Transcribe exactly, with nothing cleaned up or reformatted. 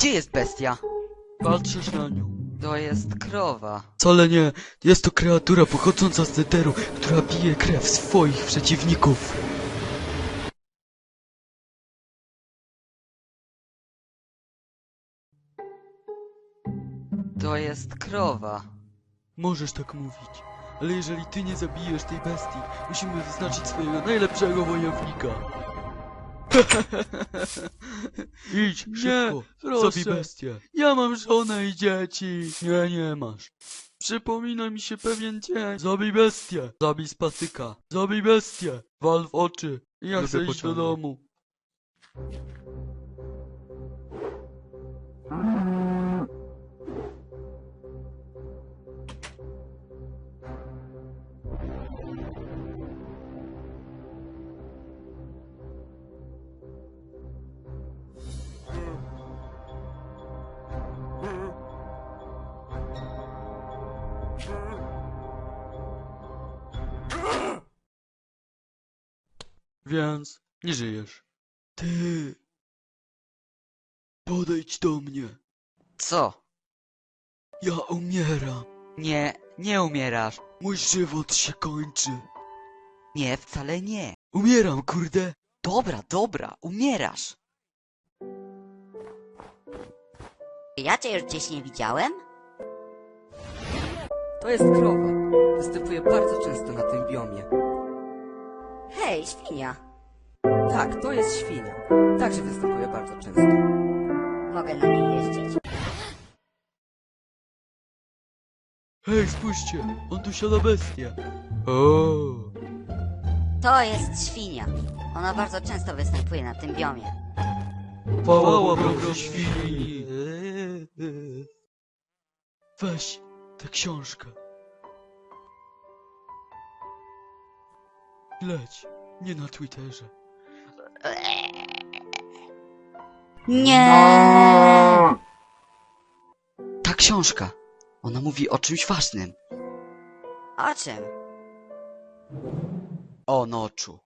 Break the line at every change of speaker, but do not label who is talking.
Gdzie jest bestia?
Patrzysz na nią.
To jest krowa.
Wcale nie. Jest to kreatura pochodząca z Netheru, która pije krew swoich przeciwników.
To jest krowa.
Możesz tak mówić, ale jeżeli ty nie zabijesz tej bestii, musimy wyznaczyć swojego najlepszego wojownika. Idź, szybko,
proszę.
zabij bestię.
Ja mam żonę i dzieci.
Nie, nie masz.
Przypomina mi się pewien dzień.
Zabij bestię, zabij z patyka, zabij bestię, wal w oczy.
Ja
Lubię
chcę iść do
pociągi.
domu.
Więc nie żyjesz. Ty... Podejdź do mnie.
Co?
Ja umieram.
Nie, nie umierasz.
Mój żywot się kończy.
Nie, wcale nie.
Umieram, kurde.
Dobra, dobra, umierasz.
Ja cię już gdzieś nie widziałem?
To jest krowa. Występuje bardzo często na tym biomie.
Hej, świnia.
Tak, to jest świnia. Także występuje bardzo często.
Mogę na niej jeździć?
Hej, spójrzcie, on tu siada bestię. O,
To jest świnia. Ona bardzo często występuje na tym biomie.
chwała Bogu świni. Weź tę książkę. Leć, nie na Twitterze.
Nie.
Ta książka. Ona mówi o czymś ważnym.
O czym?
O noczu.